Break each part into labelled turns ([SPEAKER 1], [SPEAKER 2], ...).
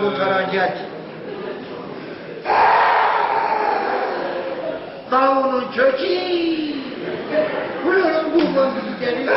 [SPEAKER 1] kurtaran geldi. Kavunun kökü. Buranın bulman geliyor.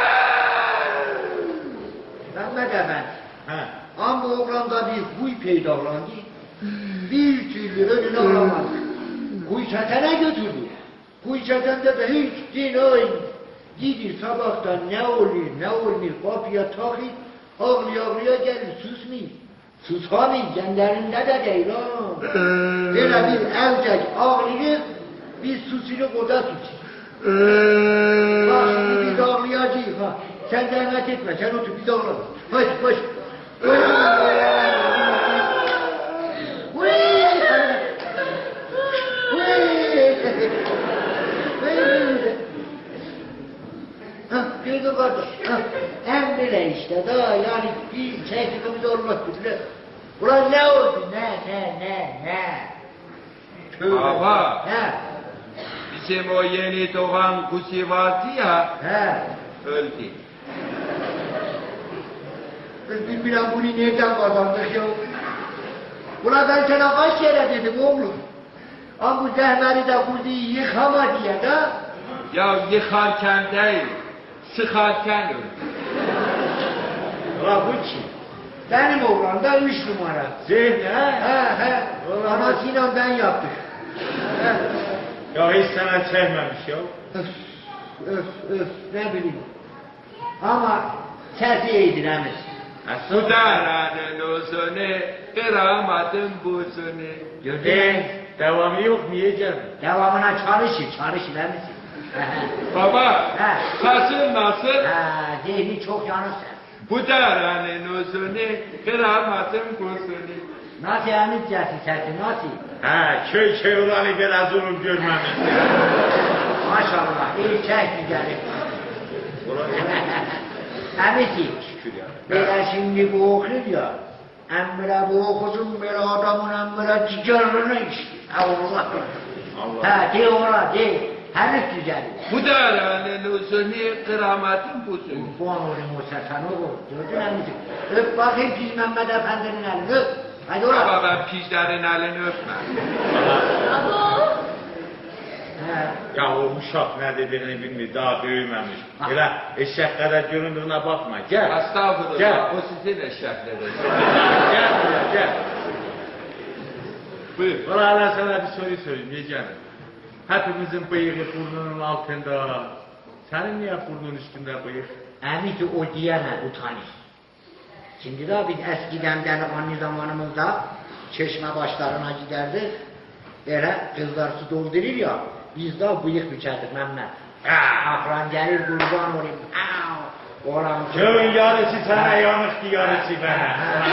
[SPEAKER 1] Mehmet Efendi. Ama oğlanda bir huy peydahlandı. Bir türlü önüne alamadı. Huy çetene götürdü. Huy çetende de hiç din gidir sabahtan ne oluyor kapıya takip ağlıya gelir susmayın. Susamayın kendilerinde de değil ha. Böyle bir evcek ağlıyor biz susuyoruz o da susuyor. Bak şimdi biz ağlayacağız ha. Sen zahmet etme sen otur biz ağlayalım. Hadi koş. Gördün kardeş, en bile işte daha yani bir çektiğimiz olmak bile. Ulan ne oldu ne?
[SPEAKER 2] Baba,
[SPEAKER 1] He.
[SPEAKER 2] bizim o yeni doğan kuzi vardı ya, öldü.
[SPEAKER 1] Bilmem bunu nereden kazandık ya? Ulan ben sana kaç kere dedim oğlum. Ama bu zehmeri de kuziyi yıkama diye de.
[SPEAKER 2] Ya yıkarken değil, sıkarken öldü.
[SPEAKER 1] Ulan bu kim? Benim oğlan da 3 numara.
[SPEAKER 3] Zehni
[SPEAKER 1] He. Anasıyla ben yaptık.
[SPEAKER 3] Ya hiç sana çekmemiş ya.
[SPEAKER 1] Öf ne bileyim. Ama sesi iyidir emiz.
[SPEAKER 2] Bu daranın uzunu, kıramadım buzunu.
[SPEAKER 1] Gördün.
[SPEAKER 3] Devamı yok mu yiyeceğim?
[SPEAKER 1] Devamına çalışır emiz.
[SPEAKER 2] Baba,
[SPEAKER 1] He.
[SPEAKER 2] sesin nasıl?
[SPEAKER 1] Zihni çok yanırsın.
[SPEAKER 2] Bu daranın uzunu, kıramadım buzunu.
[SPEAKER 1] Nasıl emiz sesi nasıl?
[SPEAKER 3] Köy olanı biraz onu görmemiştim.
[SPEAKER 1] Maşallah iyi çek güzeli. Emizi. Böyle şimdi bu okuyor ya. Emre bu okusun böyle adamın emre cigarını içti. Allah. De ona de. Henüz güzel.
[SPEAKER 2] Bu daranın uzunu, kıramadım buzunu.
[SPEAKER 1] Bu an olayım o sen oğlum. Gördün emizi. Öp bakayım Piz Mehmet Efendi'nin elini öp. Hadi ola.
[SPEAKER 2] Baba ben pijlerin elini öpmem.
[SPEAKER 3] Ya o uşak ne dediğini bilmiyor, daha büyümemiş. Öyle eşek kadar göründüğüne bakma, gel.
[SPEAKER 2] Estağfurullah,
[SPEAKER 3] Gel.
[SPEAKER 2] o sizin eşekleriniz.
[SPEAKER 3] Gel buraya, gel.
[SPEAKER 2] Buyur.
[SPEAKER 3] Valla ben sana bir soru sorayım, diyeceğim. Hepimizin bıyığı burnunun altında. Senin niye burnun üstünde bıyık?
[SPEAKER 1] Emizi o diyemez, utanır. Şimdi de biz eskiden delikanlı zamanımızda çeşme başlarına giderdik. Böyle kızlar su doldurur ya, biz de bıyık biçerdik Mehmet. Akran gelir kurban olayım. Oran
[SPEAKER 3] Köyün yarısı sana yanıktı, yarısı bana.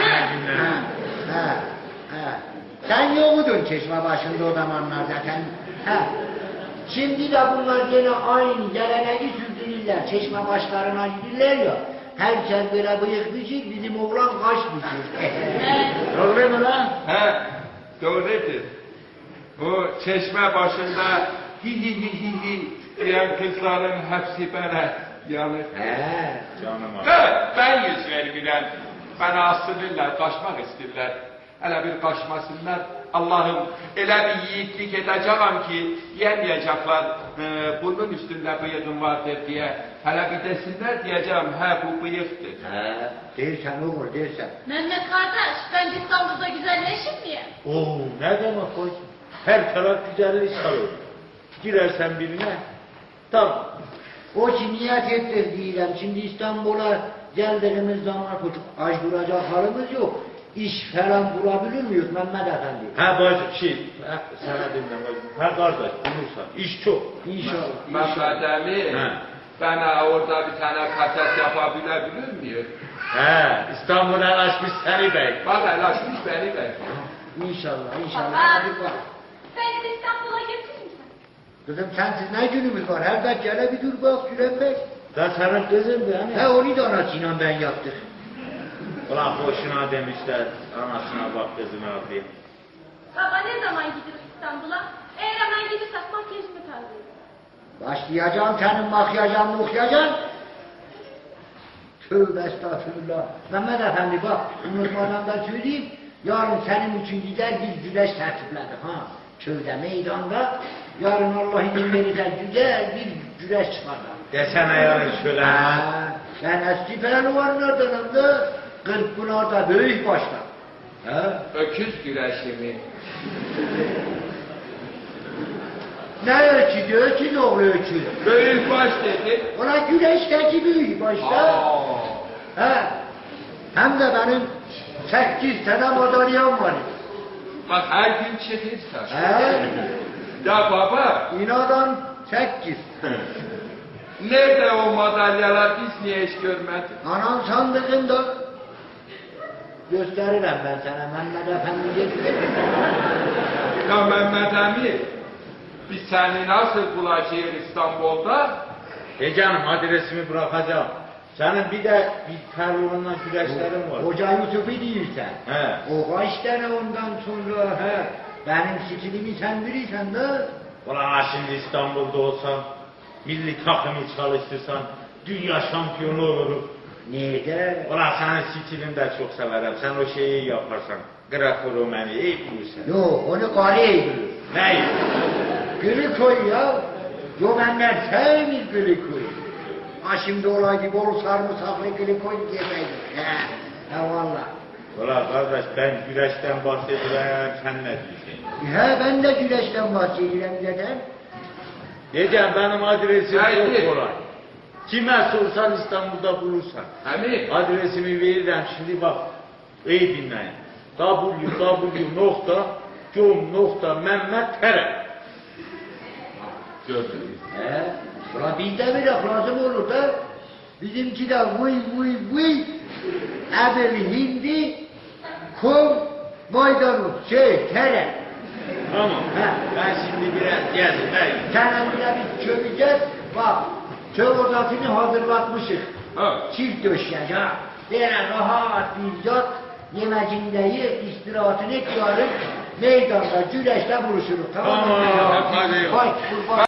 [SPEAKER 1] Sen yokudun çeşme başında o zamanlarda sen. Şimdi de bunlar gene aynı geleneği sürdürürler. Çeşme başlarına gidirler ya. Herkes böyle bıyık biçir, bizim oğlan kaş biçir.
[SPEAKER 3] Doğru mu lan?
[SPEAKER 2] He, doğrudur. Bu çeşme başında hi diyen kızların hepsi bana yanır.
[SPEAKER 3] Canım abi.
[SPEAKER 2] Ben yüz vermirəm. Bana asılırlar, kaçmak isterler. Hele bir kaçmasınlar. Allah'ım elə bir yiğitlik edeceğim ki yemeyecekler bunun üstünde bıyığım vardır diye. Hele bir desinler diyeceğim bu bıyıktır.
[SPEAKER 1] Değilsen olur, değilsen.
[SPEAKER 4] Mehmet kardeş, ben İstanbul'da güzelleşim diye.
[SPEAKER 3] Oo, ne demek o? Her taraf güzellik sarıyor. Girersen birine, tamam.
[SPEAKER 1] O ki niyet ettir diyeceğim. Şimdi İstanbul'a geldiğimiz zaman aç duracak halimiz yok. İş falan bulabilir miyiz Mehmet Efendi?
[SPEAKER 3] Bacım sana dinle bacım. Kardeş bulursan, iş çok.
[SPEAKER 1] İnşallah.
[SPEAKER 2] Mehmet Emin, bana orada bir tane kaset yapabilebilir miyim?
[SPEAKER 3] İstanbul'a açmış seni bey.
[SPEAKER 2] Bak el açmış beni bey.
[SPEAKER 1] İnşallah.
[SPEAKER 4] Baba.
[SPEAKER 1] Hadi bak.
[SPEAKER 4] Beni de İstanbul'a getirir misin?
[SPEAKER 1] Kızım sensiz ne günümüz var? Her dakika hele bir dur bak Süleyman.
[SPEAKER 3] Da senin kızın bu hani.
[SPEAKER 1] Onu da anasıyla ben yaptık.
[SPEAKER 3] Ulan boşuna demişler, anasına bak kızına diye.
[SPEAKER 4] Baba ne zaman gidiyoruz İstanbul'a? Eğer hemen gidersek makyajımı tarzıyım.
[SPEAKER 1] Başlayacağım senin makyajan mukyajan. Tövbe estağfurullah. Mehmet Efendi bak, unutmadan da söyleyeyim. Yarın senin için gider bir güreş tertipledik ha. Köyde meydanda yarın Allah izin verirse güzel bir güreş çıkarlar.
[SPEAKER 3] Desene yarın şöyle.
[SPEAKER 1] Ben eski pehlivanlardanım da Kırkpınar'da büyük başta. Ha?
[SPEAKER 2] Öküz güreşi mi?
[SPEAKER 1] Ne ölçüdü? Öküz oğlu öküz.
[SPEAKER 2] Büyük baş dedi.
[SPEAKER 1] Ona güreşteki büyük başta.
[SPEAKER 2] Aa.
[SPEAKER 1] He. Hem de benim 8 tane madalyam var.
[SPEAKER 2] Bak her gün çıkırsa.
[SPEAKER 1] He.
[SPEAKER 2] Ya baba,
[SPEAKER 1] İnadan 8.
[SPEAKER 2] nerede o madalyalar, biz niye hiç görmedik?
[SPEAKER 1] Anam sandığında gösteririm ben sana. Mehmet Efendi getirir.
[SPEAKER 2] Ya Mehmet Emin, biz seni nasıl bulacağız İstanbul'da?
[SPEAKER 3] Canım adresimi bırakacağım. Senin bir de bir pehlivanla güreşlerin var.
[SPEAKER 1] Hoca Yusuf'u değilsen.
[SPEAKER 3] He.
[SPEAKER 1] O kaç tane ondan sonra he. Benim stilimi sen bilirsen de.
[SPEAKER 3] Ulan şimdi İstanbul'da olsam, milli takımı çalıştırsan, dünya şampiyonu olurum.
[SPEAKER 1] Nerede?
[SPEAKER 3] Ulan senin stilini de çok severim. Sen o şeyi yaparsan. Grafo-Romani iyi bulursan.
[SPEAKER 1] Yok onu Kale'ye bilir.
[SPEAKER 3] Ne?
[SPEAKER 1] Glikoy ya. Yo benler sevmir glikoy. Ha şimdi olay gibi olur sarımsaklı glikoy diyemeydim. He valla.
[SPEAKER 3] Ulan kardeş ben güreşten bahsediyorum, sen ne diyorsun?
[SPEAKER 1] He ben de güreşten bahsedeceğim neden?
[SPEAKER 3] Diyeceğim benim adresim
[SPEAKER 2] Haydi.
[SPEAKER 3] çok kolay. Kime sorsan İstanbul'da bulursan.
[SPEAKER 2] Emin.
[SPEAKER 3] Adresimi veririm şimdi bak. İyi dinleyin. www.com.mehmet.tere
[SPEAKER 2] Gördünüz.
[SPEAKER 1] He. Ulan bizde bir laf lazım olur da. Bizimki de vıy. Ebel hindi. Kum. Maydanoz. Tere.
[SPEAKER 3] Tamam.
[SPEAKER 1] He.
[SPEAKER 3] Ben şimdi biraz geldim.
[SPEAKER 1] Sen emrine biz çöveceğiz. Bak. Çöv odasını hazırlatmışız.
[SPEAKER 2] Ha.
[SPEAKER 1] Çift döşek ha. Böyle rahat bir yat. Yemecinde ye, istirahatını et yarın. Meydanda, güreşte buluşuruz. Tamam mı?
[SPEAKER 3] Tamam, hadi.
[SPEAKER 1] Haydi kurban.